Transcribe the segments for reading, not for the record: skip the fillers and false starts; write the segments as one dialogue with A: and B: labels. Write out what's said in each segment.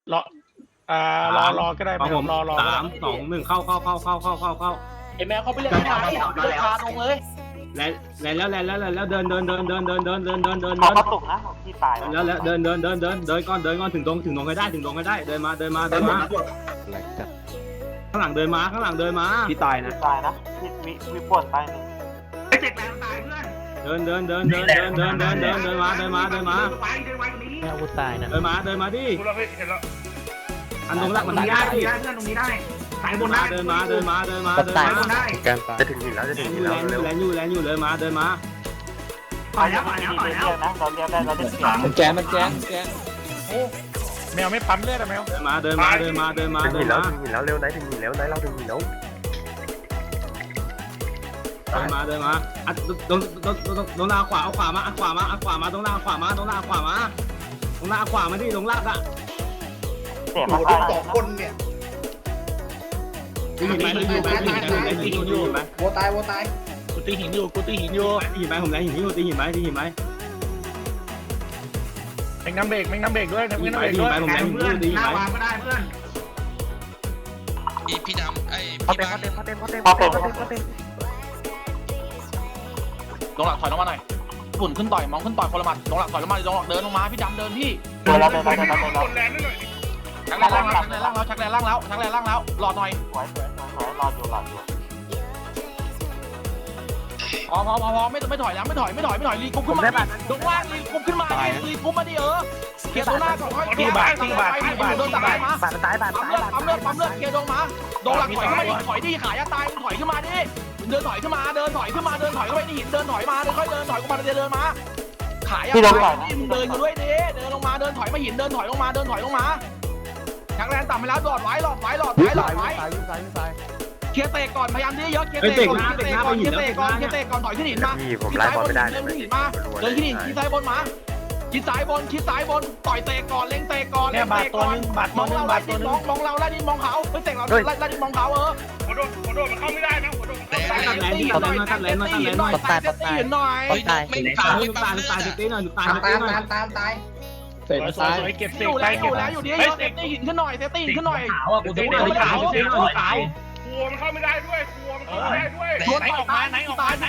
A: รอรอก็ได้ไม่รอ
B: 3 2 1เข้า
C: ไอแมวเขาไปเล่นที่ไหนเดินพาลงเลย
B: แล้วเดิน
D: เขาตกนะที่ตาย
B: แล้วเดินก่อนถึงตรงให้ได้เดินมาข้างหลังเดินมา
E: พี่ตายนะ
D: มีปวดตายหนึ่ง
E: ไอ้เจ็กแรงตายเพื่อน
B: เดินมา
C: แมวกูตายนะ
B: เดินมาดิ
E: กูเราไปเห็นแล้ว
B: อันตรงหลักมันได้ดิ
E: เพื่อนตรงนี้ได้สายบนได้
B: เดินมา
E: สายบนได้
F: จะถึงหินแล้วเร็ว
B: แรงอยู่เดินมา
E: ต่อยแล้ว
D: นะเราเรียกได้เราเรียก
C: มันแก
A: โอ้แมวไม่ปั๊มเลือดอะแมว
B: เดินมา
F: ถึงหินแล้วเร็วไหนถึงหินแล้วไหนเราถึงหินแล้ว
B: เดินมาอ่ะตรงหน้าขวาเอาขวามาตรงหน้าขวามาตรงหน้าขวามาดิตรงลากอ่ะ
D: เสีย
E: โอ้
D: มา
E: โห2คนเนี่ย
B: ตีหินไป
E: วัวตาย
A: กูตีหินอยู่
B: ตีหินไปผมแรงหินอยู่ตีหินไป
A: แม่งน้ำเบรกด้วย
B: ตีหินไปผมแรงหินอยู่ตีหิน
E: หน้า
B: ไป
E: วางก็ได้เพื่อน
G: พี่ดำไอ้พี่
D: เขาเต็
G: บ้าม น
D: เขาเต็ม
C: ลงหลักถอยลงมาหน่อยฝุ่นขึ้นต่อยมองขึ้นต่อยคนละหมัดลงหลักถอยลงมาเดินลงมาพี่ดำเดินพี่
E: กดแรงนิดหน่อย
C: ชักแรงล่างแล้วรอหน่อย
D: สวยรออยู่
C: พอไม่ถอยแล้วไม่ถอยรีกุ๊บขึ้นมาลงล่างรีกุ๊บขึ้นมารีกุ๊บมาดิเคลียร์ตัวหน้าก่อน
A: ที่บาท
C: โดนตายมาปั๊มเลือดเคลียร์ลงมาโดนหลักถอยขึ้นมาดิถอยดิขายตายถอยขึ้นมาดิเดินถอยเข้าไปนี่หินเดินถอยมาค่อยเดินถอยกูมาเดินมาขายตายนี่มึงเดินกันด้วยดิเดินลงมาเดินถอยมาหินเดินถอยลงมาชักแรงต่ำไปแล้วหลอดไว้เคลียร์เตะก่อนพยายามเยอะเคลียร์เตะก่อนถอยขึ้นหินมา
F: ผมไล่บอลไม่ได้
C: เดินขึ้นหินมาเดินขึ้นหินชิดซ้ายบนมาชิดซ้ายบนต่อยเตะก่อนเล็งเตะก่อน
A: เนี่ยบาทตัวนึงมองเราไล่ดิมองเราไล่ดิมองเขาไม่เตะเราไล่ดิมองเขา
E: หัวโดนมันเข้าไม่ได้นะหัวโดน
G: แต่
B: ตัดแรงดิตัดแรงหน่อย
C: ตีหน่อย
B: ตายตีหน่อยตาย
A: เสร็จเก็บเสร็จไปเก็บ
C: อยู่ดีเซฟตี้หินขึ้นหน่อย
A: ขาวอ่ะกูจะไม่ได้ขาวกลัวมันเข้าไม่ได้ด้วยไหนออกมา
C: ตาย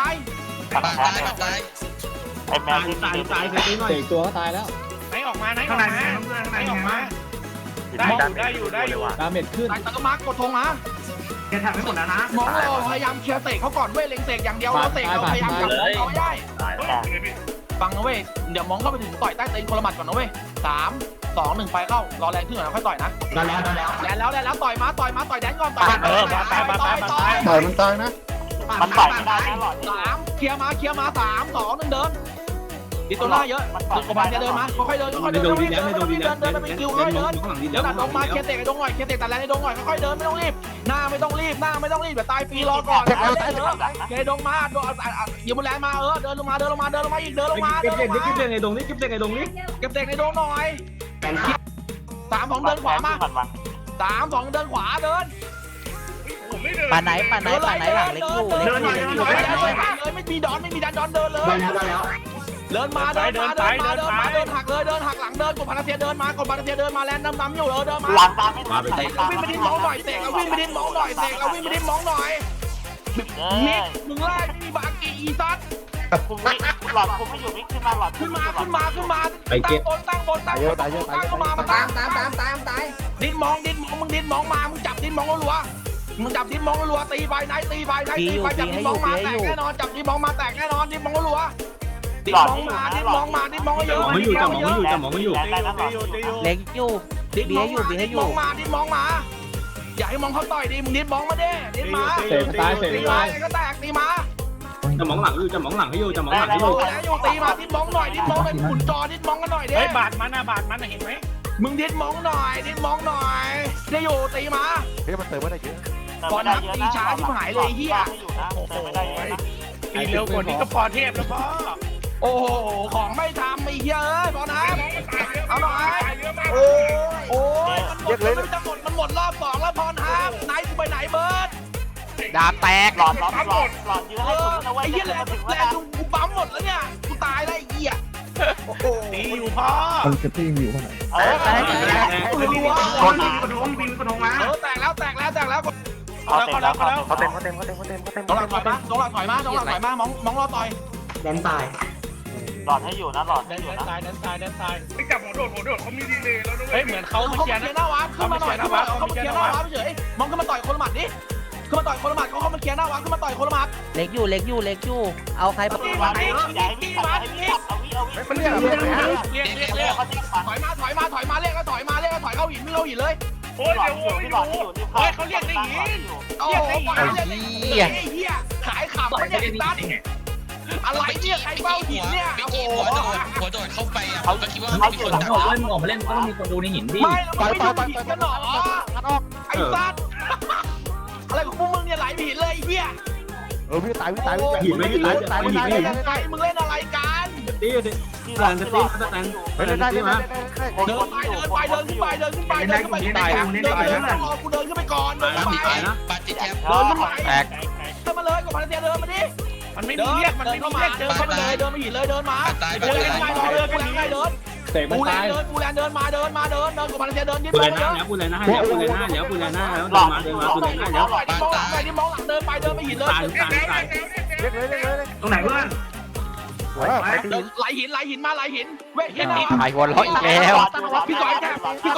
D: ไอแมว
B: ตายตีหน่อย
C: ตัวก็ตายแล้ว
A: ไหนออกมา
E: ข้างใน
A: ได้อยู่
C: ดาเมจขึ้นตะมากดธงมา
E: แกแทบไม่หมดแล้วนะ
C: มองเราพยายามเคลียร์เตะเขาก่อนเว้ยเล็งเตะอย่างเดียวเราเตะเราพยายามจับมองเขาได้ฟังนะเว้ยเดี๋ยวมองเข้าไปถึงต่อยใต้ตีนคนละหมัดก่อนนะเว้ย3 2 1ไปเข้ารอแรงขึ้นก่อนนะค่อยต่อยนะแล้วต่อยมาแดนก่อนต่อย
D: มันตายนะมันต่อยไม่ได้นะหลอด
C: 3เคลียร์มา3 2 1เดินดิตัวหน้าเยอะกบาลจะเดินมาค่อยเดินไม่โดนดีแล้วไปคิวค่อยเดินเดี๋ยวตัดลงมาเคลียร์เตะไอ้ดงหน่อยเคลียร์เตะตัดแรงไอ้ดงหน่อยค่อยเดินไม่ต้องรีบหน้าไม่ต้องรีบเดี๋ยวตายฟรีรอก่อนเคลียร์ดงมาอยู่บนแรงมาเดินลงมาอีกเดินลงมา
B: เก็บเด็กไอ้ดงนี่เก็บเด็กไอ้ดงนี่
C: เก็บเตะไอ้ดงหน่อย3 2เดินขวามา3 2เดินขวาเดิน
D: ป่าไหนหลังเล็กอยู่
C: เลยไม่มีดันดอนเดินเลยเดินมาหักเลยเดินหักหลังเดินกดพาราเซียเดินมาแลนน้ำอยู่เดินมา
D: หลังตามไม่
C: เตะเอาวิ่งไปดิ้นมองหน่อยมิกมึงไล่ไม่มีบากีอีซัด
D: หลอดคุมไม่อยู่มิกขึ้นมาหลอด
C: ขึ้นมาตั้งบนเข้ามาตายดิ้นมองมึงดิ้นมองมามึงจับดิ้นมองรัวตีไปไหนจับดิ้นมองมาแตกแน่นอนจับดิ้นมองมาแตกแน่นอนดิ้นมองรัวดิ้นมองเยอะ
B: ไม่อยู่จับหมองไม่อยู่
D: เล็กอยู่ดิ้นมอง
C: มาอย่าให้มองเขาต่อยดิมึงดิ้นมองมาดิดิ้นมาตีมาก็แตกตีมา
B: จะมองหลังอยู่
C: ตีมาดิ้นมองหน่อยขุนจอดิ้นมองกันหน่อยดิ
A: เฮ้ยบาดมันเห็นไหม
C: มึงดิ้นมองหน่อยจะอยู่ตีมา
F: มันเติมไม่ได้เยอะ
C: ก่อนนับตีช้าที่หายเลยเฮีย
A: ตีเร็วกว่านี้ก็พอเทพแล้วพ่อ
C: โอ้โหของไม่ทำไอ้เฮียพอนะเอาหน่อยโอ้ยมันหมดรอบ2แล้วพอนะไหนกูไปไหนเบิร์ดดาบแตก
D: หลอดยื้อให้สุดนะเว้ย
C: ไอ้เหี้ยแรงกูปั๊มหมดแล้วเนี่ยกูตายแล้วไอ้เหี้ย
A: ตีอยู่พ่อ
D: เออ
E: คนบินกระทงบินกระทงมา
C: แตกแล้ว
F: เขาเต็ม
C: น้องหลักถอยมาน้องหลักถอยมองรอต่อย
G: แดนตาย
E: หลอดให้อยู่นะหลอดให้อยู่นะไม่จับหัวโดดเขามีดีเลยแล้วด้วย
A: เฮ้ยเหมือนเขา
C: เขาเคลียร์หน้าวาขึ้นมาหน่อยเขาเคลียร์หน้าวาเฉยมองขึ้นมาต่อยคนละหมัดดิขึ้นมาต่อยคนละหมัดเขามาเคลียร์หน้าวาขึ้นมาต่อยคนละหมัด
G: เล็กอยู่เอาใคร
E: ตีมาตีใหญ่พี่ตัดให้พี่ตัดเอาวิ
F: มันเรียกอะไรเนี่ย
A: เรียก
C: ถอยมาเรียกแล้วถอยเข้าหินไม่เข้าหินเลย
E: โอ้ยเดี๋ยวพี่หลอดให้อยู่
A: เฮ้ยเขาเรียกได้ยิน
C: โอ้โหเฮียขายขับไม่ได้ตัดอะไรเนี่ยใครเฝ้าหินเนี่ยโอ้โห
H: หัวโดดเข้าไปอ่ะผมก็คิดว่ามีคนดัก
B: เล่นออกมาเล่นก็ต้องมีคนดูในหินดิ
C: ไม่เราไม่ดูหินกันหรอไอ้สัตว์อะไรของพวกมึงเนี่ยไหลหินเลยเฮีย
F: พี่ตาย
B: หินไม่ตายตายหินไม่หิน
C: ไงมึงเล่นอะไรกัน
B: ตีดิแตนตีมา
C: เดินไปเดินขึ้นไปรอกูเดินขึ้นไปก่อนเดินไป
B: ตายนะ
H: ปาจิตแทบ
C: เดินขึ้นไปเดินมาเลยกับพันเตียเดินมาดิ
A: มันไม่มีเรียกมันไม่มีเรียก
C: เดินเข้ามาเลยเดินมาหินเลยเดินมา
H: ตาย
C: เดินง่ายเดินกูแรงเดิน
B: เตะมัน
C: กูแร
B: ตาง ย
C: เดินกูแรงเดินมาเดินกับพันเตียเดินดิ้น
B: ปู
C: ไป
B: เลย
C: เย
B: นะ
C: อะ
B: ปูเลยนะเดี๋ยวปูเลยนะเดี๋ยวปูเลยนะแล้วเดินมาปูเลยนะเดี๋ยว
C: ดิมองหลังเดินไปเดินไปหินเลย
B: ตายตาย
F: เรียกเลย
E: ตรงไหนเพื่อน
C: ไหลหินมาไหลหินเว้ยเห็นไหม
G: หายวนล้ออีกแล้ว
C: พี่ก้อยแทบ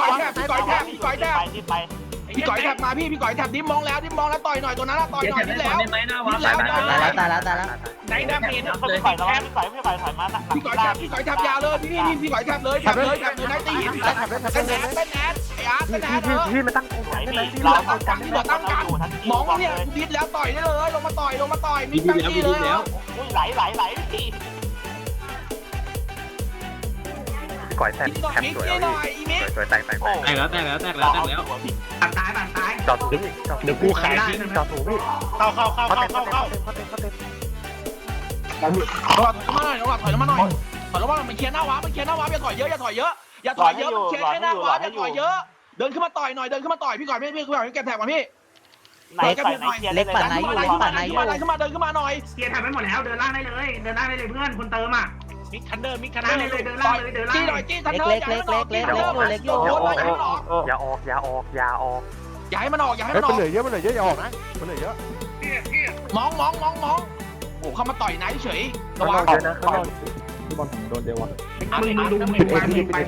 C: มาพี่ก้อยแทบดิ้มมองแล้วต่อยหน่อยตัวนั้นต่อยหน่อยดิ้แล้ว
G: ตายแล้ว
A: ไหนดาเมจ
E: เขาใส่แล้วไม่ใส่ถอยมา
C: พี่ก้อยแทบยาวเลยพี่ก้อยแทบเลยไหนตีหินเป็นแอดไอ้อาร์ตเป็นแอด
F: พี่มาตั้งตรงไหน
C: เราตั้งกันมองเนี่ยดิ้แล้วต่อยได้เลยลงมาต่อยมีตั้งที่เลยแล้ว
E: ไหลพี่
F: ก่อยแทนแคมสวยสวยแตก
B: แตกแล้ว
E: ตัดตาย
F: จอดถูกเดี๋ยวกูขายทิ้งจอดถูกพี่
A: เข้า
F: เขาเต็ม
C: มาหน่อยถอยมาหน่อยมันเคลียร์หน้าวะอย่าถอยเยอะมันเคลียร์แค่หน้าวะอย่าถอยเยอะเดินขึ้นมาต่อยหน่อยพี่ก่อนพี่แกแท็กมาพี่
E: ไหน
G: เล็กปั่นไหนอยู่
C: ขึ้นมาเดินขึ้นมาหน่อย
E: เกียร์ทำไปหมดแล้วเดินล่างได้เลยเพื่อนคนเติมอ่ะ
A: มิกคันเดอร์
E: เดินล่างเลย
C: จี้ทันเนอร์
G: เล็กอยู่
F: อย่าออก
C: อย่าให้มันออก
F: มันเหลือเยอะอย่าออกนะมันเหลือเยอะ
C: มองโอ้เข้ามาต่อยไหนเฉยระวัง
F: เยอะนะ
E: มึงดูมึงไป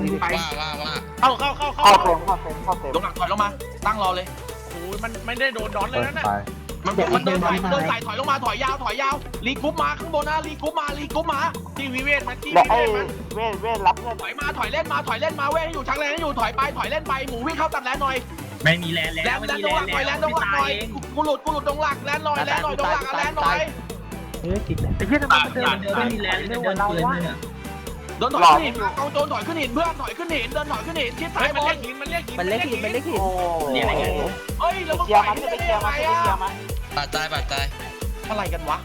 H: ว่า
C: ลงหลังถอยลงมาตั้งรอเลย
A: โอ้ยมันไม่ได้โดนดอนเลยนะ
C: มันเดินใส่ถอยลงมาถอยยาวรีกรุ๊ปมาข้างบนนะรีกรุ๊ปมา
A: ที่วิเวทมันที่
E: แล้วไอ้เว้นรับเงิน
C: ถอยมาเล่นมาเว้ยให้อยู่ชักแรงให้อยู่ถอยเล่นไปหมูวิ่งเข้าตัดแลนหน่อย
B: ไม่มีแลนแล้ว
C: แลนตรงหลักหน่อยกูหลุดตรงหลักแลนหน่อยตรงหลักแลนหน่อย
F: ไอ้เหี้ยทำไมมันเดิน
B: ไม่มีแลนไม่วนปืนเลยเนี่ย
C: เดินถอยขึ้นหินเอาโจนถอยขึ้นหินเพื่อนถอยขึ้นหินเดินถอยขึ้นหินชิดซ้ายบอล
A: มันเรียกหิน
G: มันเล็กหิน
B: เนี่ยอะไรเงี้ย
C: เฮ้ยแล้วมึง
E: เกีย
C: ปล่
E: ร์
C: อย
E: มัน
C: ได้
E: เกีย
C: ยัง
E: ร์
C: ไง
E: มันเกียร์มัน
H: บาดตาย
C: อะไรกันวะ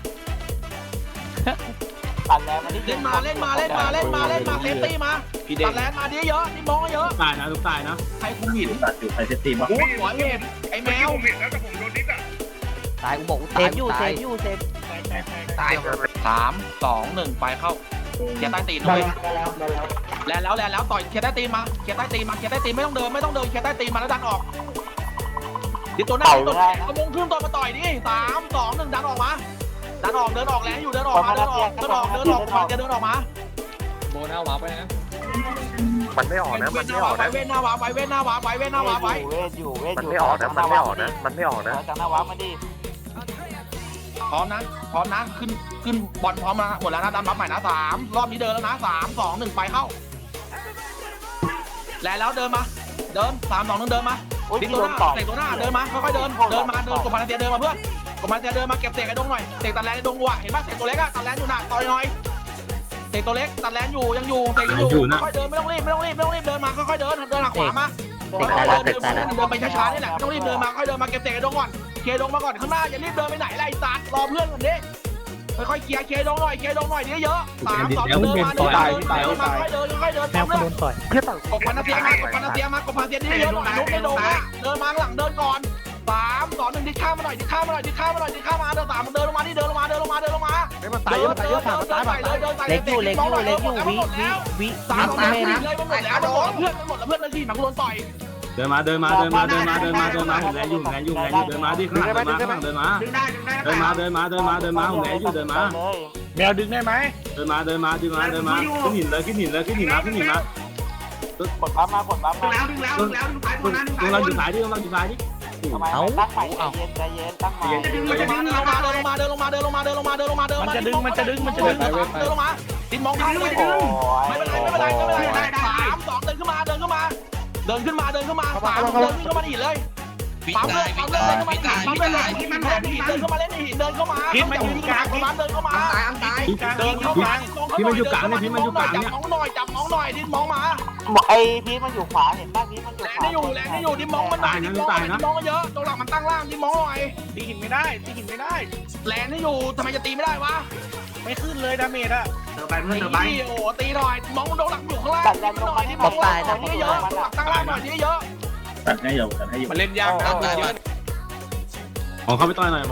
E: ตัดแล้วมันนี่
C: เล่นมาเซฟตี้มาตัดแลนมาดีเยอะนี่มองเยอะ
B: ตายนะทุกตายนะ
C: ใครคุมหิน
B: ตัดอยู่ใครจะตีมา
C: โอ้หัวเห็บไอ้แมว
E: ผมเห็นแล้วแต่ผมโดนดิสอ่ะ
G: ตายกูบอกเซฟอยู่
C: ตาย3 2 1ไปเข้าเขียร์ใต้ตีนเลยแล้วต่อยเขียร์ใต้ตีนมาไม่ต้องเดินเขียร์ใต้ตีนมาแล้วดันออกดิตัวหน้าตัวกระมงขึ้นตัวมาต่อยดิ3 2 1ดันออกมาเดินออกแล้วอยู่เดินออกมาโบน่าวาไปนะ
F: มันไม่ออกนะมันไม่ออกนะ
C: เว้นหน้าวาไว้
E: เวทอยู่
F: มันไม่ออกนะมันไม่ออกนะ
E: จากหน้าวัดมาดิ
C: พร้อมนะขึ้นบอลพร้อมมาหมดแล้วนะดันบัฟใหม่นะ3รอบนี้เดินแล้วนะ3 2 1ไปเข้าแล้วเดินมาเดิน3 2 1เดินมาดิตัวหน้าเตะตัวหน้าเดินมาค่อยๆเดินมากบพันเตียเดินมาเพื่อนกบพันเตียเดินมาเก็บเตะไอ้ดงหน่อยเตะตัดแลนไอ้ดงว่ะเห็นป่ะเตะตัวเล็กอะตัดแลนอยู่หนักต่อยหน่อยเตะตัวเล็กตัดแลนอยู่ยังอยู่เตะอยู่ค่อยๆเดินไม่ต้องรีบเดินมาค่อยๆเดินหักขวามาเดินไปช้าๆนี่แหละต้องรีบเดินมาค่อยเดินมาเก็บเตะไอ้ดงก่อนเคดงมาก่อนข้างหน้าอย่ารีบเดินไปไหนไล่ตัดรอเพื่อนก่อนดิค่อยๆเคลียร์เคดงหน่อยเยอะๆ3 2 1เดินมาค่อยๆเดินแมวโดนต่อยกบพันเตียมากบพันเตียเยอะๆหน่อยลุกในดงนะเดินมาหลังเดินก่อน3 2 1ดิข้ามมาหน่อยเดิน3มันเดินลงมา
F: มันตายเยอะผ่านมันตาย
G: เล็กอยู่วิ
C: 3 2 1เลยมันหมดแล้วเพื่อนนาทีหนักโดนต่อย
B: เดินมาผมแรงอยู่เดินมาดิข้างหลังเดินมาผมแรงอยู่เดินมา
E: แมวดึงได้ไหม
B: เดินมาขึ้นหินมา
E: กดปั๊มมากดปั๊มมา
B: ต้องเราอยู่สายดิ
E: ทำไมตั้งใหม่ใจเย็นตั้งใหม่
C: เดินลงมามันจะดึงเดินลงมาดินมองข้างเลยไม่เป็นไร3 2เดินขึ้นมา3เดินขึ้นมาหินเลย
H: วิ
C: ปั๊ม
H: ตา
C: เลย ย
H: วิ
C: ปั๊ม
H: ตา
C: เลย
H: ยวิตาย
C: ปั๊มเลยหินมันแบบหินเดินเข้ามาเล่นในหินเดินเข้ามาพิษมันอยู่กลางพิษเดินเข้ามาเดินเข้ามาจับน้องหน่อยดินมองมา
E: ไอ้พีทมันอยู่ขวาเห็นป่ะพีทมันอยู่
C: แรง
E: ขวา
C: นี่อยู่ดินมองมันหน่อยดินมองเยอะตัวหลังมันตั้งล่างดินมองหน่อย
E: ตีหินไม่ได้
C: แรงนี่อยู่ทำไมจะตีไม่ได้วะ
E: ไม่ขึ้นเลยดาเมจอะ
C: ตีโอ้ตีหน่อยมองโดนหลังอยู่ข้างล่างหน่อยดินมองหลังเยอะตัวหลังตั้งล่างหน่อยเยอะ
B: ตัดให้อยู่
C: มันเล่นยากนะ
B: มองเข้าไปต่อยหน่อย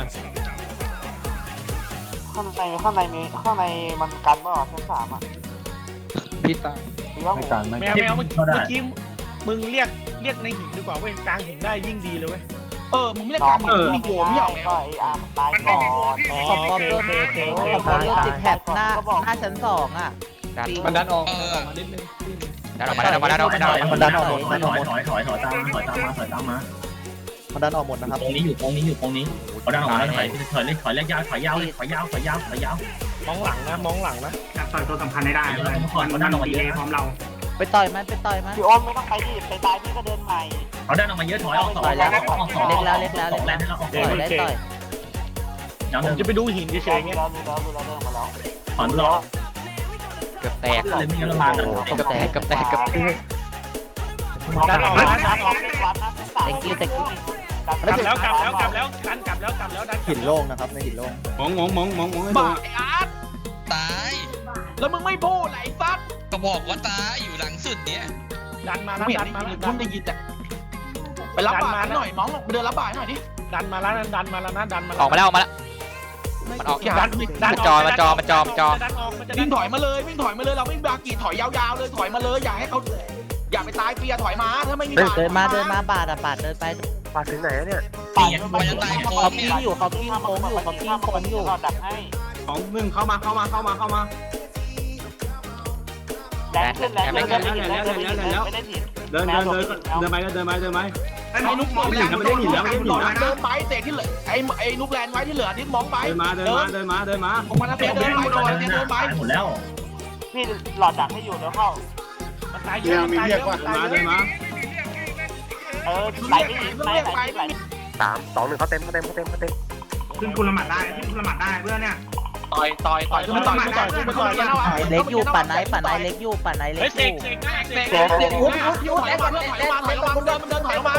E: ข้างในมันกันป่ะชั้น3อ่ะ
C: พิษตา
D: ไม่การไม่
E: แมวเมื่อกี้มึงเรียกในหินดีกว่าเว้ยกลางหินได้ยิ่งดีเลยเว้ย
C: มึงไม่ได้การมึงโหมไม่เอา
E: ก็ไอ้อาร์มตายก่อน
G: ขอบเรื่องติดแท็บหน้าชั้น2อ่ะ
C: มันดันออก
G: ดันออกมา
D: มันดันออกหมดมันดันออกหมดมันดันออกหมดนะครับ
B: ตรงนี้อยู่ตรงนี้เขาดันออกมาแล้วถอยเล็กยาวถอยยาว
E: มองหลังนะ
B: ต่อยตัวสำคัญได้เลยเขาดันออกมาเยอะพร้อมเรา
G: ไปต่อยมัน
E: พี่อ้นไม่ต้องไปดิไปตายพี่ก็เดินใหม่
B: เขาดันออกมาเยอะถอยออก
G: ต่อยแล้วเล็กแล้วต่อยได้ต่อย
E: ผมจะไปดูหินเฉยๆเงี้ยเราเดินมาแล้ว
B: ถอนรอ
G: เกือบแตก
B: เลยมีระบาด
E: ดันออกวัดนะ
G: ตะกี้
E: กลับแล้วดันกลับแล้วดัน
D: หินโล่งนะครับในหินโล่ง
B: มองให้
C: บ้า
B: ดู
C: ไอ้อาร์ต
H: ตาย
C: แล้วมึงไม่พูดไหนซัด
H: ก็บอกว่าตายอยู่หลังสุดเนี่ย
C: ดันมาแล้วมึงได้ยินแต่ไปรับบาทหน่อยมองเดินรับบาทหน่อยดิ
E: ดันมาแล้วนะดันมา
G: ออกมาแล้วมันออก
E: ดันออก
C: วิ่งถอยมาเลยเราไม่บากีถอยยาวๆเลยถอยมาเลยอย่าให้เขาอย่าไปตายเปียถอยมาถ้าไม่มีบาท
G: เดินมาบาดเดินไป
F: มาถึงไหนเนี่ย
H: มันจะตายโค้
G: เขา
H: ง
G: กิ้
H: เนี่ย
G: งอยู่เขากิ้งโค้งอยู่
E: ดักให้
B: ของมึงเข้ามา
E: แรงขึ้นไม่ได้ถิน
B: เดินไป
C: ไอ้นุ๊กเดินไปเตะที่เหลือไอ้นุ๊กแลนไว้ที่เหลือที่มองไป
B: เดินมา
C: ผมมาแล้วเดินไป
B: หมดแล้ว
E: พี่หลอดดักให้อยู่แล้วเข้ามันตายเยอะ
B: เดินมา
E: ไหลไม่หินไหล
F: 3 2 1เขาเต็ม
B: ขึ้นคุณละหมัดได้เพื่อนเนี่ย
C: ต่อยขึ้นมาต่อย
G: เล็กอยู่ปั่นไหนเล็กอยู่
C: เตะเล็กก่อนเดินถอยลงมา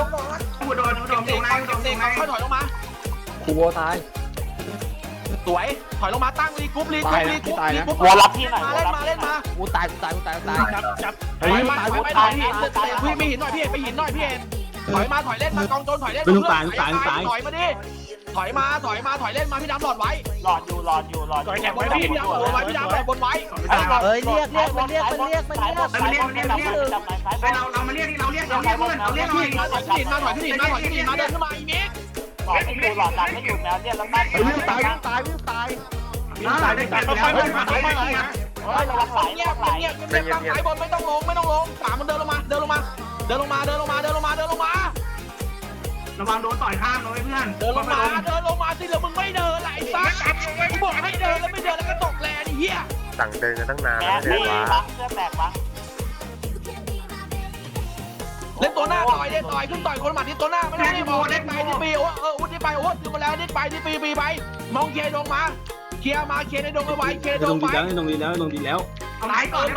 C: ค่อยถอยลงมา
D: คูโวตาย
C: สวยถอยลงมาตั้งรีกรุ๊ป
E: วัวรับที่ไหน
C: เล่นมา
G: กูตาย
E: จับ
C: ถอยมาพี่ไม่หินหน่อยพี่ไปหินหน่อยพี่เอ็นถอยมาถอยเล่นมากองโจรถอยเล่นถอยมาดิถอยมาถอยเล่นมาพี่ดำหลอดไว้
E: หลอดอยู่
C: บนพี่ดำไว้พี่ดำบนไว้
G: เอ้ยเรียกมัน
E: เรามาเรียกเราเรียก
C: ถอยขึ้นหินมาเดินขึ้นมาอีก
E: หลอดให้อยู่หลอดดันให้อยู่แมวเนี่ยแล้วตั้ง
D: วิ่งตาย
E: ระวังไหล
C: เงียบตั้งสายบนไม่ต้องลงสามมันเดินลงมาระวังโดนต่อยข้ามเลยเพื่อนเดินลงมาสิแล้วมึงไม่เดินไหลซักกูบอกให้เดินแล้วไม่เดินแล้วก็ตกแลนี่เหี้ย
F: สั่งเดินกันตั้งนาน
E: แม
F: แล้ว
E: ว
F: เนี่
E: นี่
F: ย
E: บังเสื้อแตกบัง
C: เล่นตัวหน้าต่อยขึ้นต่อยคนหมัดที่ตัวหน้าไม่ต้องรีบเล่นไปที่ปีอุ้ที่ไปถึงมาแล้วนิดไปที่ปีไปมองเคลียร์ดงมาเคลียร์ในดงเอาไว้เคลียร์ดงไป
B: ลงดีแล้ว
C: ตายเติม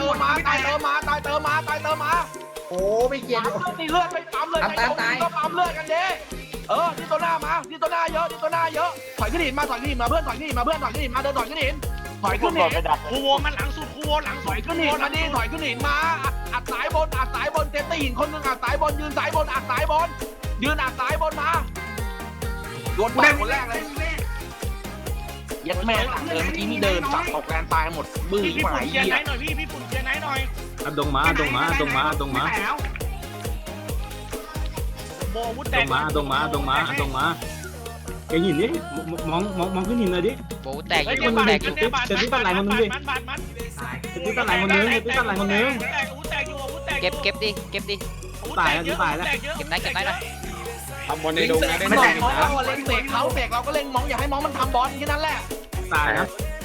C: มา
D: โอ้ไม่เกียร์
C: ตีเลือดไปปั๊มเลยก็ปั๊มเลือดกันเด้ที่ตัวหน้ามาที่ตัวหน้าเยอะถอยขึ้นหินมาเพื่อนถอยขึ้นหินมาเดินถอยขึ้นหิน
E: คูโวมันหลังสุดคูโวหลัง
C: ถอยขึ้นหินมาดิถอยขึ้นหินมาอัดสายบนเซฟตี้หินคนนึงอัดสายบนยืนสายบนอัดสายบนมาโดนไปคนแรกเลยยัดแม่หลังเดินเมื่อกี้นี่เดินสับตกแรงตายหมดบื้อ
E: พี่
C: หมา
E: ปุ่น
C: ย
E: เกียร์
C: เหี้ย
E: ไหนหน่อยพี่ปุ่นเกียร์ไหนหน่อย
B: ดงมา
A: โบวุ้น
B: ต
A: แต
B: รกงมาแกหินดิมองขึ้นหินเลยดิ
G: โบแตก
A: เฮ้ย
G: โบ
A: บาด
G: แตก
A: เนี่ยบาดมัน
B: จะตั้งไหลคนนึง
A: วุ้นแตกอยู่วุ้นแตก
G: เก็บดิเก็บได้นะ
C: ทำบอลในดงนะได้ไม่ได้เขาเล็งเสกเขาเสกเราก็เล็งมองอย่าให้มองมันทำบอลแค่นั้นแหละ
B: ตายนะ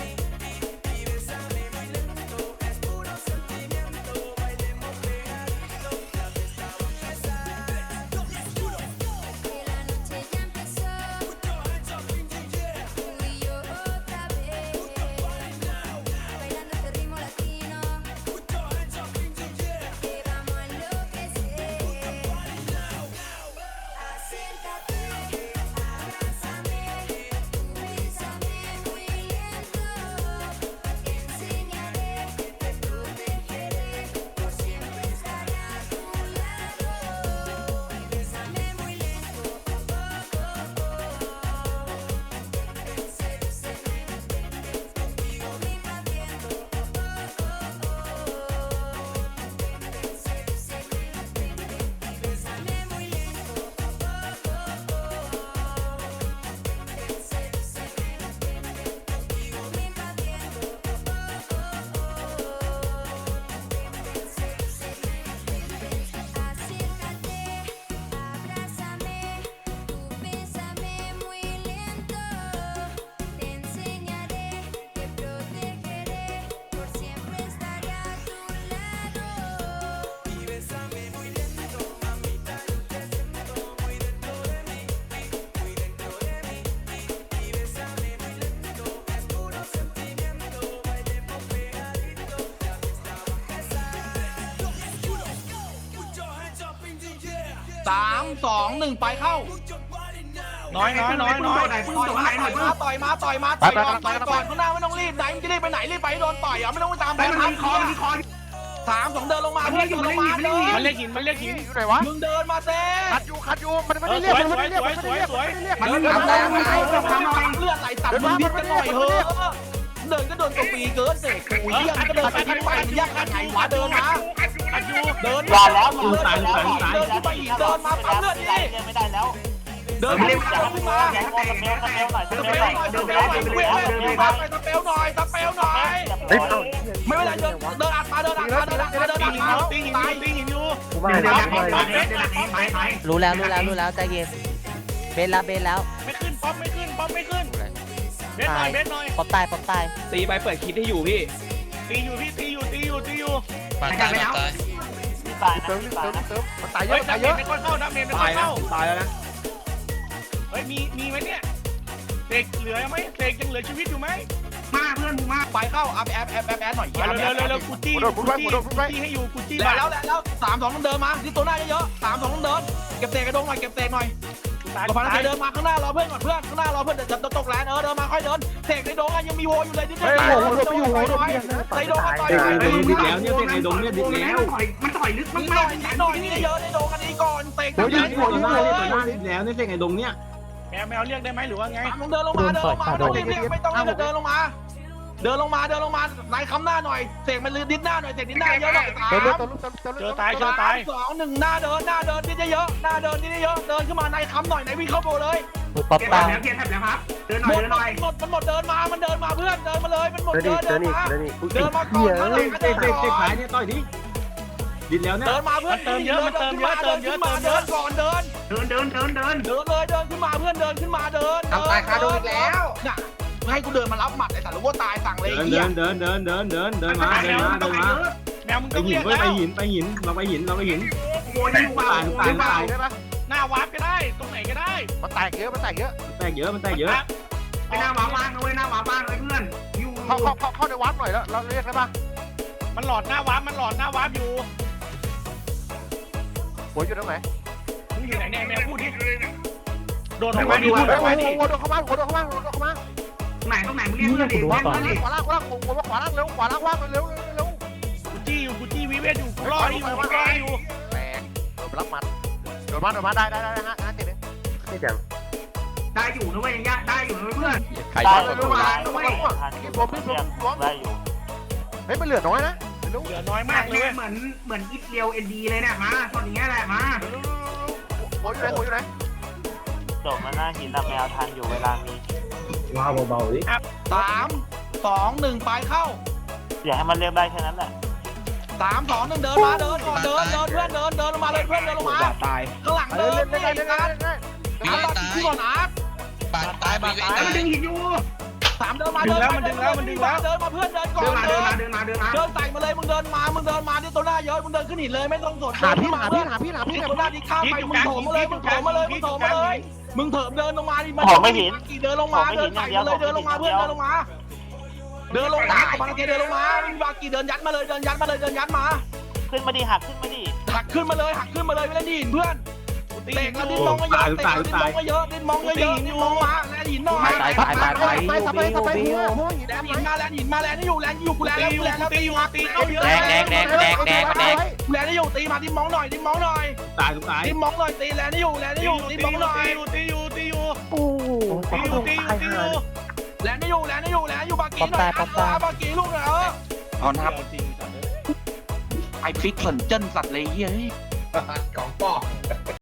C: 3-2-1ไปเข้า
A: น้อย
C: ต่อยมาต่อยก่อนข้างหน้าไม่ต้องรีบไหนมันจะรีบไปไหนรีบไปโดนต่อยอ่ะไม่ต้องไปตามบอลทับ3-2เดินลงมาเพื่อนลงมาเดิน
A: มันเรียกหิน
F: อยู่ไหนวะ
C: มึงเดินมาเต้
F: คัดอยู่มันไม่ได้เรียกมันไม่ได้เรียก
C: มันทำแล้วเลือดไหลตัดมึงนิดกันหน่อยเฮ้เดินก็โดนกปีเกินเสกกูเยี่ยมก็เดินไปที่ไปยากกันไหนวะเดินมาเดินมาแล้วเดินขึ้นไปอีกเดินมาปั๊มเลือดดิ
E: ไม่ได้แล้ว
C: เดินขึ้นมา
E: แกงโมสเปลหน่อย
C: ตะเปลหน่อยตะเปลหน่อยไม่เป็นไรเดินอัดมาตาย
F: กูมาได้
G: รู้แล้วใจเย็นเบนแล้ว
A: ไม่ขึ้นป๊อปไม่ขึ้นเบสหน่อย
G: ป๊อปตาย
C: ตีไปเปิดคลิปให้อยู่พี่
A: ตีอยู่
H: ปาดตาย
E: ตายนะตายนะ
F: มันตายเยอะตายเยอะ
A: ไม่ค่อยเข้านะเมนไม่ค่
C: ตา
A: อย ย
C: แล้ว
A: เข้า
C: ตายแล้วนะ
A: เฮ้ยมีไหมเนี่ยเสกเหลือไหมเสกยังเหลือชีวิตอยู่ไหม
C: ไปเข้าแอดหน่อย
A: เร็วกูจี้ให้อยู่กูจี้
C: แล้ว3-2ต้องเดินมาที่ตัวหน้าเยอะๆ3-2ต้องเดินเก็บเตะกระดงหน่อยเก็บเตะหน่อยกฟันเดินมาข้างหน้ารอเพื่อนก่อนเพื่อนข้างหน้ารอเพื่อนจะตกแลนเดินมาค่อยเดินเตะในดงยังมีโวอยู่เลยนิดนึงในดงมาต่อย
B: ดิดแล้วเนี่ยเตะในดงเนี่ยดิดแล้ว
C: มันต่อยลึกมากนิดหน่อยนี่เยอะในดงอันนี้ก่อนเตะ
B: ต่อหน้าดิดแล้วเนี่ยเตะในดงเนี่ย
A: แมวเรียกได้ไหมหรือว่าไง
C: เดินลงมาไม่ต้องเดินลงมาไหนคำหน้าหน่อยเสกมันลืมดิดหน้าหน่อยเสกดิดหน้าเยอะหน่อย
A: ตาย
C: 2-1หน้าเดินดิดเยอะหน้าเดินดิดเยอะเดินขึ้นมาในคำหน่อยไหนวิ่งเข้าโบเลย
G: ป๊อปตาย
C: หมดเดินมามันเดินมาเพื่อนเดินมาเลยมันหมดเดินมาก่อนข้างหลัง
B: เตะขายเนี่ยต่อยดิดิดแล้วเนี่ย
C: เดินมาเพื่อนเดินก่อนเดินเลยเดินขึ้นมาเพื่อนเดินขึ้นมาเดินตายคาโดนอีกแล้วน่ะให้กูเดินมารับหมัดไอ้สัตว์รู้ว่าตายสั่งเลย
B: เดิ
C: เหี้ย
B: นมา
A: แมวมึง
B: ไป
A: ต้อง
B: หิ
A: เรี
B: น
A: ยก
B: ไป
A: แล้ว
B: หินเราไปหินตาย
A: หน้าวาร์ปก็ได้ตรงไหนก็ได้
F: มันแตกเยอะ
B: แตกเยอะ
A: ไปหน้าวาร์ปบ้างเลยหน้าวาร์ปบ้างเลยเพื่อน
F: เข้าในวัดหน่อยแล้วเราเรียกได้ปะ
A: มันหลอดหน้าวาร์ปอยู่
F: หัวอยู่ตรงไหน
A: มึงอยู่ไหนเนี่ยแมวพูดดิโดนออกมาดิพูดออกมาดิ
F: หัวโดนเข้ามาตรงไหนมึงเรียกเพื่อนดิขวาล่างหัวขวาล่างเร็วขวาล่างว่างเร็ว
A: กูจี้วิเวทอยู่รออยู่
F: แตกรับมัดโดนมาได้ฮะติดเลยนี่จัง
E: ได้อยู่นะเว้ยยังได้อยู่นะเพื่อน
F: ใครได้ตัวมาด้วยรวมได้อยู่เฮ้ยมันเหลือน้อยนะ
A: เหลือน้อยมากเลย
E: เหมือนอิฟเรียวเอ็นดีเลยเนี่ยมาตอนนี้แหละมา
F: โอ้ยอยู่ไหน
E: โดดมาหน้าหินแต่แมวทันอยู่เวลามี
B: ว้าวเบาๆดิ
C: 3 2 1ไปเข้า
E: อย่าให้มันเรียกได้แค่นั้นแหละ
C: 3 2 1เดินมาเดินก่อนเดินเพื่อนเดินลงมาเลยเพื่อนเดินลงมาตายข้างหลังเดินนี่การ
H: วิเว
C: อาร์ต
H: ตาย
C: ที่ก่อนอาร์ต
H: ปาดตายวิเวตาย
C: 3เดินมาเดินมาเพื่อนเดินก่อนเดินใส่มาเลยมึงเดินมาที่ตัวหน้าเยอะมึงเดินขึ้นหินเลยไม่ต้องสนตัวหน้าที่ข้ามไปมึงโถมมาเลยมึงเถิมเดินลงมาดิกี่เดินลงมาเดินใส่มาเลยเดินลงมาเพื่อนเดินลงมาเดินลงมาบางทีเดินลงมาบางกี่เดินยัดมาเลยเดินยัดมา
E: ขึ้นมาดิหักขึ้นมาดิ
C: หักขึ้นมาเลยไม่ได้ดินเพื่อนเตะกันดิ้นมองก็เยอะดิ้นมองมาแลนหินหน่อย
D: ไปสบายหัวหิน
C: แลนหินมาแลนนี่อยู่กูแลนแล้วตีมาตีเข้าเยอะแลนนี่อยู่ตีมาดิ้นมองหน่อย
B: ตายทุกตาย
C: ดิ้นมองหน่อยตีแลนนี่อยู่ดิ้นมองหน่อย
F: โอ้ตายหา
C: แลนนี่อยู่บากีหน่อยบากีลูกหน่อยเอานะครับไอฟิกเหมือนเจิ้นสัตว์เลยเฮ้ย
A: ของปอก